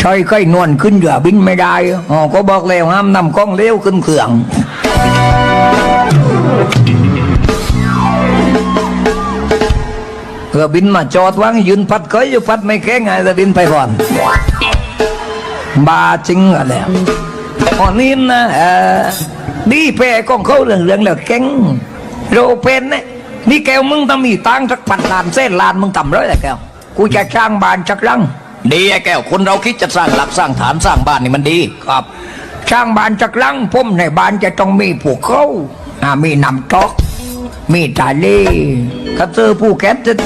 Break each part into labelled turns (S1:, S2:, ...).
S1: ชอยค่อยนวลขึ้นเรือบินไม่ได้อ๋อก็บอกแล้วห้ามนำกล้องเลี้ยวขึ้นเครื่องเรือบินมาจอดวางยืนพัดเคยอยู่พัดไม่แข็งไงเรือบินไปก่อนบาจริงอะไรอ๋อนี่นะดีแพ้กล้องเขาเรื่องแล้วแข็งโรเป็นเนี่ยนี่แกวมึงต้องมีตังสักพันล้านเส้นล้านมึงต่ำร้อยแหละแกวกูจะสร้างบ้านจักรังดีไอ้แก้วคนเราคิดจะสร้างหลักสร้างฐานสร้างบ้านนี่มันดีครับสร้างบ้านจักรังพุ่มในบ้านจะต้องมีภูเขามีน้ำตกมีทะเลกระเจอภูแคทจะ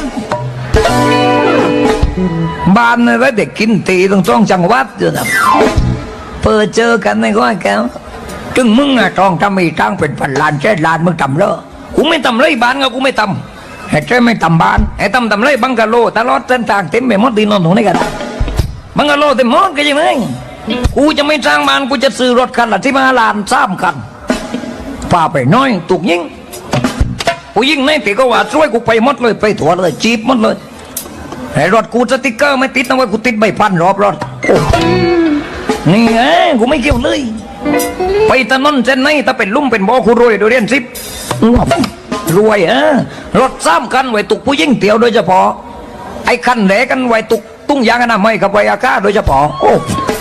S1: บ้านไว้เด็กกินตีตรงช่องจังหวัดอยู่นะเปิดเจอกันในก้อยแก้วจึงมึงอะต้องทำมีตั้งเป็นพันล้านเจ็ดล้านมึงทำเรอกูไม่ทำไรบ้านก็กูไม่ทำให้ใจไม่ทำบ้านให้ทำไรบังกะโลตลอดเส้นทางเต็มไปหมดดีนอนตรงนี้กันบังกะโลเต็มหมดก็ยังไงกูจะไม่สร้างบ้านกูจะซื้อรถคันละที่มาล้าน3 คันป่าไปน้อยตุกยิงกูยิงในตีก็ว่าช่วยกูไปหมดเลยไปถั่วเลยจีบหมดเลยให้รถกูสติ๊กเกอร์ไม่ติดนะว่ากูติดใบพันรอบรถนี่ไงกูไม่เกี่ยวเลยไปถนนเส้นไหนถ้าเป็นลุ่มเป็นบ่อกูรวยโดยเรียนซิปรวยรถ3 คันไว้ตุกผู้ยิ่งเตียวโดยเฉพาะไอ้คันแหลกันไว้ตุกตุ้งยางอนามัยกับไวอากาโดยเฉพาะโอ้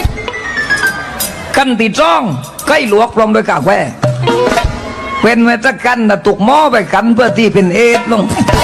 S1: คันตีจ้องใกล้หลวกลงโดยกากแวเป็นไว้สักกันนะตุกหม้อไปกันเพื่อที่เป็นเอฟลง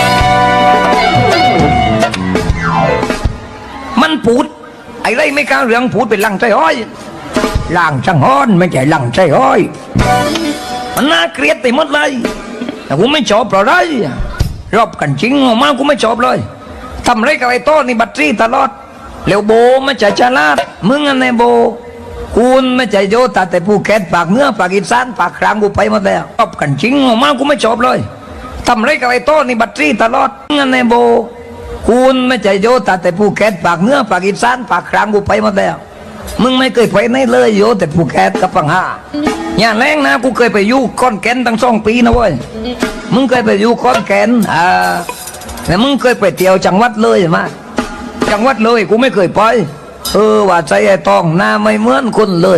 S1: มันพูดไอ้ไรไม่กล้าเรื่องพูดเป็นหลังใจห้อยหลังช่างฮ้อนไม่ใช่หลังใจห้อยมันน่าเกลียดไปหมดเลยแต่กูไม่ชอบเพราะไรรอบกันจริงออกมากูไม่ชอบเลยทำไรกับไอ้โต้นี่บัตรตลอดแล้วโบไม่ใช่ฉลาดมึงอันไหนโบคุณไม่ใช่โยตาแต่ภูเก็ตปากเหนือปากอีสานปากกลางกูไปหมดแล้วรอบกันจริงออกมากูไม่ชอบเลยทำไรกับไอ้โต้นี่บัตรตลอดมึงอันไหนโบคุณไม่ใช่โยตาแต่ภูเก็ตปากเหนือปากอีสานปากกลางกูไปหมดแล้วมึงไม่เคยไปไหนเลยโยแต่ภูเก็ตกับปังหาอย่าแรงนะกูเคยไปอยู่ก้อนแก่นตั้ง2 ปีนะเว้ยมึงเคยไปอยู่ก้อนแก่นแต่มึงเคยไปเที่ยวจังหวัดเลยไหมจังหวัดเลยกูไม่เคยไปว่าใจไอ้ตองหน้าไม่เหมือนคนเลย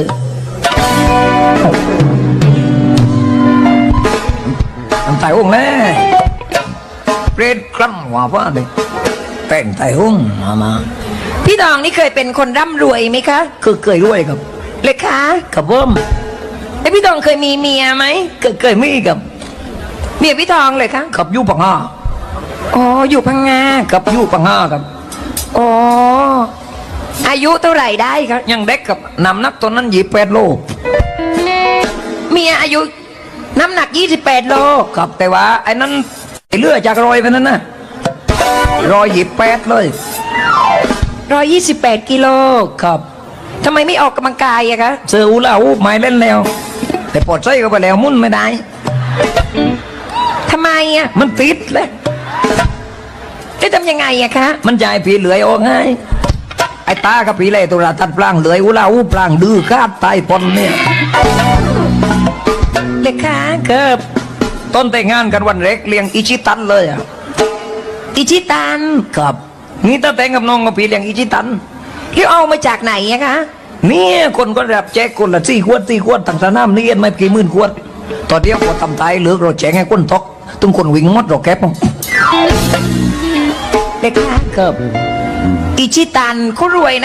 S1: ทำไต่ห้องแน่เปรตคลั่งหัวฟ้าเลยแต่งไต่ห้องมา
S2: พี่ดองนี่เคยเป็นคนร่ำรวยไหมคะ
S1: เคยรวยครับ
S2: เลยคะ
S1: กับผม
S2: แล้วพี่ดองเคยมีเมียไหม
S1: เคยมีกับ
S2: เมียพี่ทองเลยคะ
S1: ขับยู่ปังห้า
S2: อ๋ออยู่พังงา
S1: ขับยู่ปังห้าครับ
S2: อ๋ออายุเท่าไหร่ได้ครับ
S1: ยังเด็กกับน้ำหนักตอนนั้น28 โล
S2: เมียอายุน้ำหนัก28 โล
S1: ครับแต่ว่าไอ้นั้นเลือดจากรอยไปนั้นนะ128เลย
S2: 128 กิโล
S1: ครับ
S2: ทำไมไม่ออกกำลังกายอะคะ
S1: เสืออูลาอูไม่เล่นแล้วแต่ปลดใส่ก็ไปแล้วมุ่นไม่ได้
S2: ทำไมอะ
S1: มันติดเลย
S2: จะทำยังไงอะคะ
S1: มันจะให้ผีเหลือยออกง่ายไอ้ตากับผีเลยตัวละตัดปลางเหลือยอูลาอูปลางดื้อคาดตายปนเนี่ย
S2: เลยคะ
S1: เกิบต้นแต่งงานกันวันเล็กเลี้ยงอิชิตันเลยอ่ะ
S2: อิชิตัน
S1: ครับนี่ถ้าแต่งกับน้องกับผีเลี้ยงอิชิตัน
S2: ที่เอามาจากไหนอะคะ
S1: เนี่ยคนก็รับแจกคนละ4 ขวดต่างสนามเรียนไม่กี่หมื่นขวดตอนเดียวพอทำตายเหลือเราแจกให้คนทอกตุ้งคนวิ่งมดเราแคบ
S2: เด็กค่ะ
S1: ครับ
S2: อิชิตันเขารวยนะ